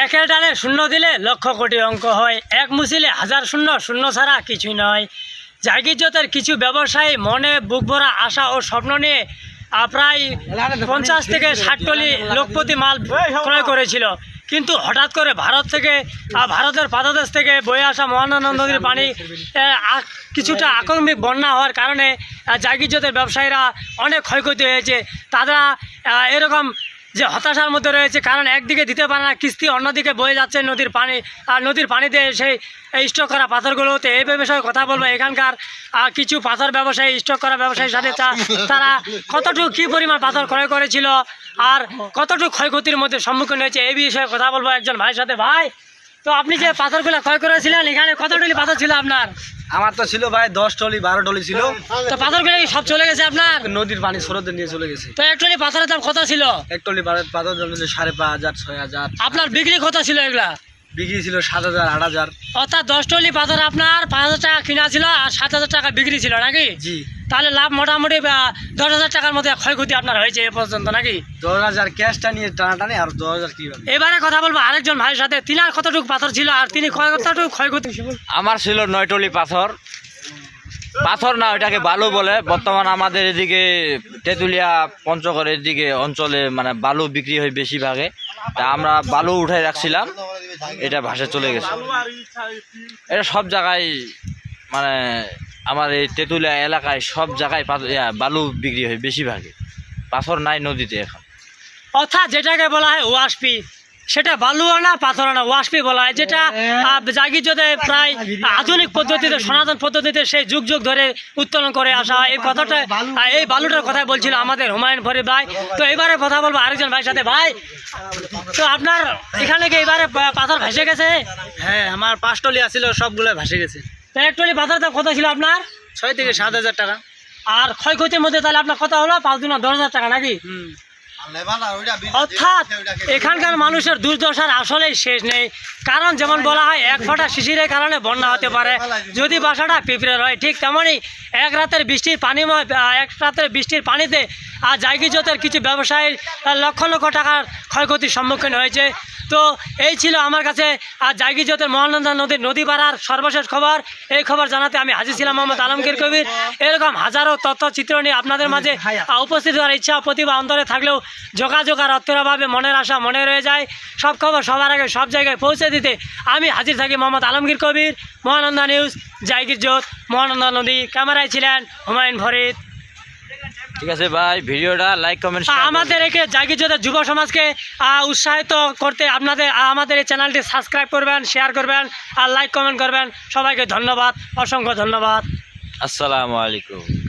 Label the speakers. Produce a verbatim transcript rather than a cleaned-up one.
Speaker 1: একের ডালে শূন্য দিলে লক্ষ কোটি অঙ্ক হয়, এক মুছিলে হাজার শূন্য, শূন্য ছাড়া কিছুই নয়। জাগিরজোতের কিছু ব্যবসায়ী মনে বুক ভরা আশা ও স্বপ্ন নিয়ে প্রায় পঞ্চাশ থেকে ষাট টলি লোকপতি মাল ক্রয় করেছিল, কিন্তু হঠাৎ করে ভারত থেকে ভারতের পাদদেশ থেকে বয়ে আসা মহানন্দা নদীর পানি কিছুটা আকস্মিক বন্যা হওয়ার কারণে জাগিরজোতের ব্যবসায়ীরা অনেক ক্ষয়ক্ষতি হয়েছে। তারা এরকম যে হতাশার মধ্যে রয়েছে, কারণ একদিকে দিতে পারে না কিস্তি, অন্যদিকে বয়ে যাচ্ছে নদীর পানি, আর নদীর পানিতে সেই স্টক করা পাথরগুলোতে। এই বিষয়ে কথা বলবো এখানকার কিছু পাথর ব্যবসায়ী, স্টক করা ব্যবসায়ীর সাথে তারা কতটুকু কী পরিমাণ পাথর ক্রয় করেছিল আর কতটুকু ক্ষয়ক্ষতির মধ্যে সম্মুখীন হয়েছে, এই বিষয়ে কথা বলবো একজন ভাইয়ের সাথে। ভাই, তো আপনি যে পাথরগুলো ক্রয় করেছিলেন, এখানে কত টলি পাথর ছিল আপনার?
Speaker 2: আমার তো ছিল ভাই দশ টলি বারো টলি ছিল।
Speaker 1: তো পাথরগুলো সব চলে গেছে আপনার?
Speaker 2: নদীর পানি স্রোতে নিয়ে চলে গেছে।
Speaker 1: তো এক টলি পাথরের দাম কত ছিল?
Speaker 2: এক টলি পাথর দাম ছিল সাড়ে পাঁচ হাজার ছয় হাজার।
Speaker 1: আপনার বিক্রি কত ছিল এগুলা?
Speaker 2: বিক্রি ছিল সাত হাজার আট হাজার।
Speaker 1: অর্থাৎ দশ টলি পাথর আপনার পাঁচ হাজার টাকা কিনা ছিল আর সাত হাজার টাকা বিক্রি ছিল নাকি?
Speaker 2: জি।
Speaker 1: তাহলে লাভ মোটামুটি দশ হাজার টাকার মধ্যে ক্ষয়ক্ষতি আপনার হয়েছে এ পর্যন্ত নাকি?
Speaker 2: দশ হাজার ক্যাশটা নিয়ে টানাটানি আর দশ হাজার কি।
Speaker 1: এবারে কথা বলবো আরেকজন ভাইয়ের সাথে, তিনার কতটুকু পাথর ছিল আর তিনি কতটুকু ক্ষয়ক্ষতি?
Speaker 3: আমার ছিল নয় টলি পাথর। পাথর না, ওইটাকে বালু বলে। বর্তমান আমাদের এদিকে তেঁতুলিয়া পঞ্চগড়ের দিকে অঞ্চলে মানে বালু বিক্রি হয় বেশিরভাগে, তা আমরা বালু উঠাই রাখছিলাম, এটা ভাসে চলে গেছে। এটা সব জায়গায় মানে আমার এই তেঁতুলিয়া এলাকায় সব জায়গায় বালু বিক্রি হয় বেশিরভাগে, পাথর নাই নদীতে এখন।
Speaker 1: অর্থাৎ যেটাকে বলা হয় ওয়াশপি, সেটা বালুও না পাথর না, ওয়াশপি বলা হয়, যেটা জাগিরজোতে প্রায় আধুনিক পদ্ধতিতে, সনাতন পদ্ধতিতে সেই যুগ যুগ ধরে উত্তোলন করে আসা হয়। এই কথাটা, এই বালুটার কথাই বলছিল আমাদের হুমায়ুন ফরিদ ভাই। তো এবারে কথা বলবো আরেকজন ভাইয়ের সাথে। ভাই, তো আপনার এখানে কি এবারে পাথর ভেসে গেছে?
Speaker 2: হ্যাঁ, আমার পাঁচ টলি আসছিল, সবগুলো ভেসে গেছে।
Speaker 1: তো এক টলি পাথর দাম কত ছিল আপনার?
Speaker 2: ছয় থেকে সাত হাজার টাকা।
Speaker 1: আর ক্ষয়ক্ষতির মধ্যে তাহলে আপনার কত হলো? পাঁচ দুনা দশ হাজার টাকা নাকি? অর্থাৎ এখানকার মানুষের দুর্দশার আসলেই শেষ নেই। কারণ যেমন বলা হয় এক ফোঁটা শিশিরের কারণে বন্যা হতে পারে, যদি বাসাটা পিঁপড়ের হয়, ঠিক তেমনই এক রাতের বৃষ্টির পানিময় এক রাতের বৃষ্টির পানিতে আর জাগিরজোতের কিছু ব্যবসায়ীর লক্ষ লক্ষ টাকার ক্ষয়ক্ষতির সম্মুখীন হয়েছে। তো এই ছিল আমার কাছে আর জাগিরজোতের মহানন্দা নদীর নদী পাড়ার সর্বশেষ খবর। এই খবর জানাতে আমি হাজির ছিলাম মোহাম্মদ আলমগীর কবির। এরকম হাজারো তথ্যচিত্র নিয়ে আপনাদের মাঝে উপস্থিত হওয়ার ইচ্ছা প্রতিভা অন্তরে থাকলেও যোগাযোগ আর অর্থের মনের আশা মনে রয়ে যায়। সব খবর সবার আগে সব জায়গায় পৌঁছে দিতে আমি হাজির থাকি মোহাম্মদ আলমগীর কবির, মহানন্দা নিউজ, জাগিরজোত, মহানন্দা নদী। ক্যামেরায় ছিলেন হুমায়ুন ফরিদ।
Speaker 3: ঠিক আছে ভাই, ভিডিওটা লাইক কমেন্ট।
Speaker 1: আমাদের একে জাগিরজোতের যুব সমাজকে উৎসাহিত করতে আপনাদের আমাদের এই চ্যানেলটি সাবস্ক্রাইব করবেন, শেয়ার করবেন আর লাইক কমেন্ট করবেন। সবাইকে ধন্যবাদ, অসংখ্য ধন্যবাদ।
Speaker 3: আসসালামু আলাইকুম।